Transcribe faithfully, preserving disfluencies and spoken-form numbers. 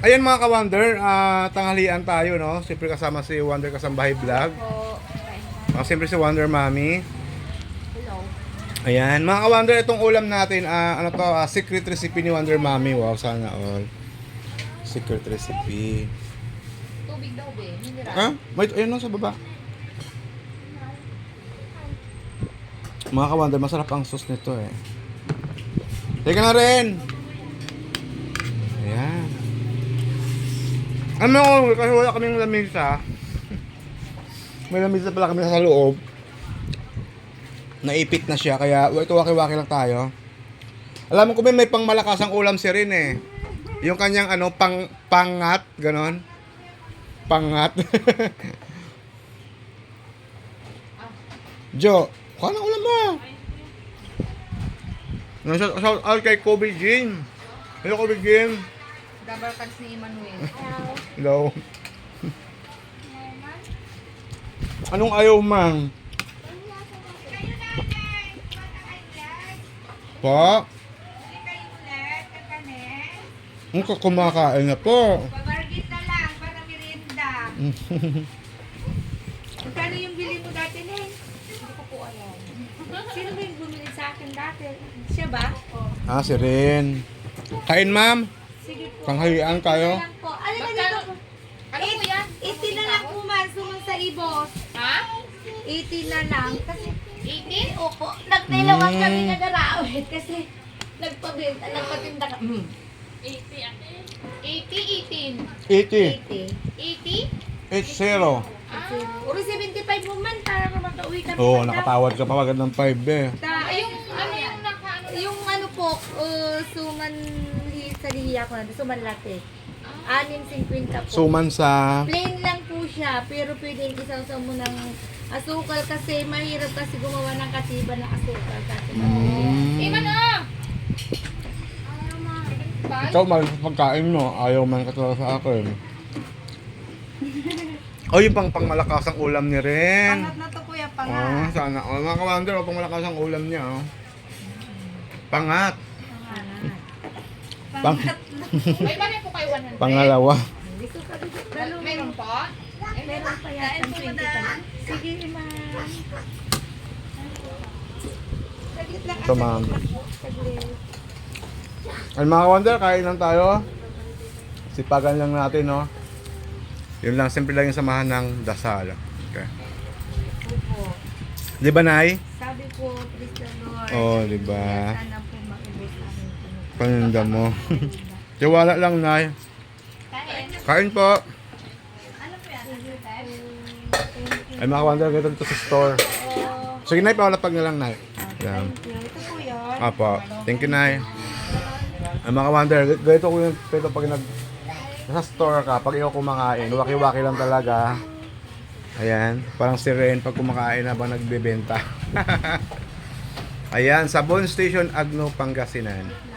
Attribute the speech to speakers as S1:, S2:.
S1: Ayan mga ka-Wonder, ah, tanghalian tayo, no? Siyempre kasama si Wonder Kasambahay Vlog.
S2: Po.
S1: Uh, siyempre si Wonder Mommy.
S2: Hello.
S1: Ayan, mga ka-Wonder, itong ulam natin, ah, ano to, ah, secret recipe ni Wonder Mommy. Wow, sana all. Secret recipe.
S2: Tubig daw, be. Mineral.
S1: Ah, wait, ayun no, sa baba. Mga ka-Wonder, masarap ang sauce nito eh. Teka na rin! Ayan. Ano mo, kasi wala kaming lamisa. May lamisa pala kami sa loob. Naipit na siya, kaya ito waki-waki lang tayo. Alam mo ko may pang malakasang ulam si Rin eh. Yung kanyang ano, pang, pangat, ganon. Pangat. Jo, kuha ng ulam mo. Shout shout out kay Kobe Jean. Hello Kobe Jean.
S2: Double cards ni Emmanuel.
S1: Hello. Anong ayaw man? Po? Ang kumakain na po.
S2: Pabargit na lang para merienda. Magkano yung bili mo dati, Nen? Hindi ko po alam. Sino ba yung bumili sa akin dati? Siya ba?
S1: Ah, si Rin. Kain ma'am.
S2: Sige po.
S1: Tanghalian tayo.
S2: Lang po. Ano na dito? Ano po yan? eighty na lang po, man. Suman sa ibos. Ha? eighty na lang. Kasi eighty? Opo. Nagtilawan
S1: Mm.
S2: kami nag-arawit kasi nagpabenta, nagpatinda ka. Mm.
S3: eighty, eighty, eighteen.
S1: eighty.
S2: eighty.
S3: eighty?
S1: eight zero.
S2: Ah. Uri seventy-five mo man para makauwi kami.
S1: Oo, oh,
S2: madam.
S1: nakatawad ka pa agad ng five eh.
S2: Ta-
S3: Ay, yung ano yung naka ano na-
S2: Yung ano po, uh, suman li- sa lihiya ko na, suman latte. Anim cinquenta po.
S1: Suman sa...
S2: Plain lang po siya, pero pwedeng isaw mo ng asukal kasi mahirap kasi gumawa ng katiba ng asukal. Kasi
S1: Mm.
S3: Iman ah! Bye.
S1: Ikaw, mahal sa pagkain mo. Ayaw man ka talaga sa akin. Oh, yung pang pang malakasang ulam ni Ren.
S2: Pangat na to kuya,
S1: Oh,
S2: pangat.
S1: sana. Oh, mga ka-Wonder, oh, pang malakasang ulam niya. Oh. Pangat. Pang,
S3: May balik po kayo one hundred?
S1: pangalawa.
S2: Hindi ko pa dito.
S3: Dalo, meron pa?
S2: Meron pa yata twenty pa. Sige, ma'am. Saglit lang.
S1: Ito, ma'am.
S2: Saglit.
S1: Ay, mga ka-Wonder, kain lang tayo. Sipagan lang natin, no? Yun lang, simple lang yung samahan ng dasal. Okay.
S2: Opo.
S1: Di ba, Nay?
S2: Sabi po, please the Lord.
S1: Oh, di ba?
S2: Sana po maubos ang pinag-
S1: Paninda mo. Tiwala lang, Nay.
S2: Kain.
S1: Kain po.
S2: Ano po yan?
S1: Ay, mga ka-Wonder, ganito dito sa store. Sige, Nay, pawalapag na lang, Nay. Yan.
S2: Thank you. Ito po yun.
S1: Apo. Thank you, Nay. Ay, mga ka-Wonder, ganito ko yung pwede pag nag... Nasa store ka, pag ikaw kumakain, waki-waki lang talaga. Ayan, parang si Ren pag kumakain habang nagbebenta. Ayan, sa Bon Station, Agno, Pangasinan.